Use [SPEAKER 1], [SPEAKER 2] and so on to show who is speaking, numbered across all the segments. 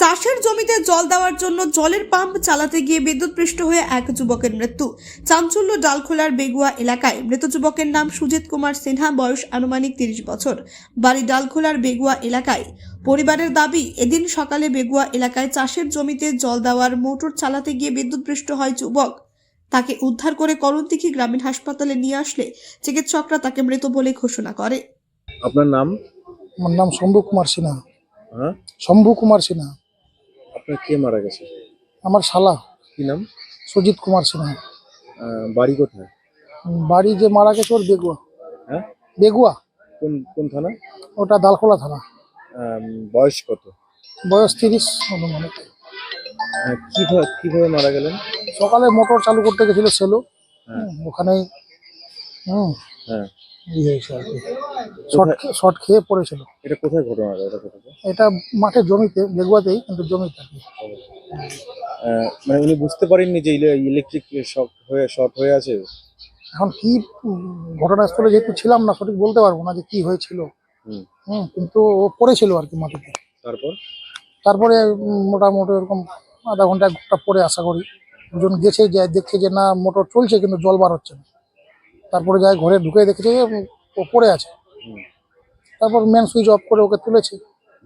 [SPEAKER 1] চাষের জমিতে জল দেওয়ার জন্য জলের পাম্প চালাতে গিয়ে বিদ্যুৎপৃষ্ট হয়ে এক যুবকের মৃত্যু। চাঞ্চল্য ডালখোলার বেগুয়া এলাকায়। মৃত যুবকের নাম সুজিত কুমার সিনহা, বয়স আনুমানিক 30 বছর, বাড়ি ডালখোলার বেগুয়া এলাকায়। পরিবারের দাবি, এদিন সকালে বেগুয়া এলাকায় চাষের জমিতে জল দেওয়ার মোটর চালাতে গিয়ে বিদ্যুৎপৃষ্ট হয় যুবক। তাকে উদ্ধার করে করণদিঘি গ্রামীণ হাসপাতালে নিয়ে আসলে চিকিৎসকরা তাকে মৃত বলে ঘোষণা করে।
[SPEAKER 2] আপনার নাম?
[SPEAKER 3] আমার নাম শম্ভু কুমার সিনহা।
[SPEAKER 2] হ্যাঁ,
[SPEAKER 3] শম্ভু কুমার সিনহা।
[SPEAKER 2] আপনার কে মারা গেছে?
[SPEAKER 3] আমার শালা
[SPEAKER 2] কি নাম?
[SPEAKER 3] সুজিত কুমার সিনহা।
[SPEAKER 2] বাড়ি কোথায়?
[SPEAKER 3] বাড়ি যে মারা গেছে ওর বেগুয়া।
[SPEAKER 2] হ্যাঁ,
[SPEAKER 3] বেগুয়া,
[SPEAKER 2] কোন কোন থানা?
[SPEAKER 3] ওটা দালখোলা থানা।
[SPEAKER 2] বয়স কত?
[SPEAKER 3] বয়স 30 অনুমানিক।
[SPEAKER 2] কিভাবে মারা গেলেন?
[SPEAKER 3] সকালে মোটর চালু করতে গেছিল সেলো,
[SPEAKER 2] হ্যাঁ।
[SPEAKER 3] ওখানেই
[SPEAKER 2] হ্যাঁ,
[SPEAKER 3] ইয়ে হয়েছে আর কি, শর্ট খেয়ে পড়েছিল।
[SPEAKER 2] এটা কোথায় ঘটনাটা? এটা কোথায়?
[SPEAKER 3] এটা মাঠে জমিতে, বেগুয়াতেই, কিন্তু জমিতে আর কি।
[SPEAKER 2] মানে উনি বুঝতে পারেননি যে ইলেকট্রিক শর্ট হয়ে আছে?
[SPEAKER 3] এখন কি ঘটনাস্থলে যেহেতু ছিলাম না, সঠিক বলতে পারবো না যে কি হয়েছিল। কিন্তু ও পড়েছিল আর কি মাটিতে। তারপরে মোটামুটি এরকম আধা ঘন্টা 1 ঘন্টা পরে আশা করি দুজন গেছে, যে দেখছে যে না মোটর চলছে কিন্তু জল বার হচ্ছে না। তারপরে যায় ঘরে ঢুকে দেখেছে যে ও পড়ে আছে। তারপর মেন সুইচ অফ করে ওকে তুলেছে।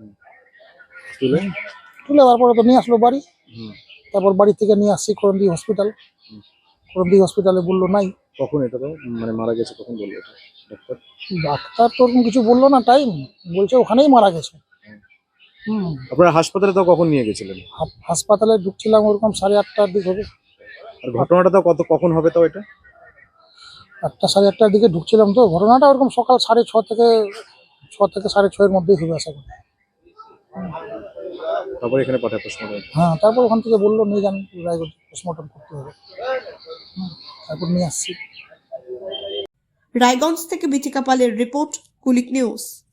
[SPEAKER 3] তুলে তারপরে তো নিয়ে আসলো বাড়ি। তারপর বাড়ি থেকে নিয়ে আসছি করণদিঘি হসপিটাল। করণদিঘি হসপিটালে বললো নাই।
[SPEAKER 2] কখন এটা তো মানে মারা গেছে কখন বললো এটা ডাক্তার?
[SPEAKER 3] ডাক্তার তো ওরকম কিছু বললো না, টাইম বলছে ওখানেই মারা গেছে।
[SPEAKER 2] আপনারা হাসপাতালে তো কখন নিয়ে গেছিলেন?
[SPEAKER 3] হাসপাতালে ঢুকছিলাম ওরকম 8:30টার দিক হবে।
[SPEAKER 2] আর ঘটনাটা তো কখন হবে তাও এটা?
[SPEAKER 3] 8টা 8:30টার দিকে ঢুকছিলাম, তো ঘটনাটা ওরকম সকাল 6:30 থেকে 6:30-6:30 মধ্যেই হবে আশা করি।
[SPEAKER 2] তারপরে এখানে পাঠায় পোস্টমর্টম?
[SPEAKER 3] হ্যাঁ, তারপর ওখান থেকে বললো নিয়ে যান রায়গঞ্জ, পোস্টমর্টম করতে হবে। তারপর নিয়ে আসছি।
[SPEAKER 1] রায়গঞ্জ থেকে বিথিকা পালের রিপোর্ট, কুলিক নিউজ।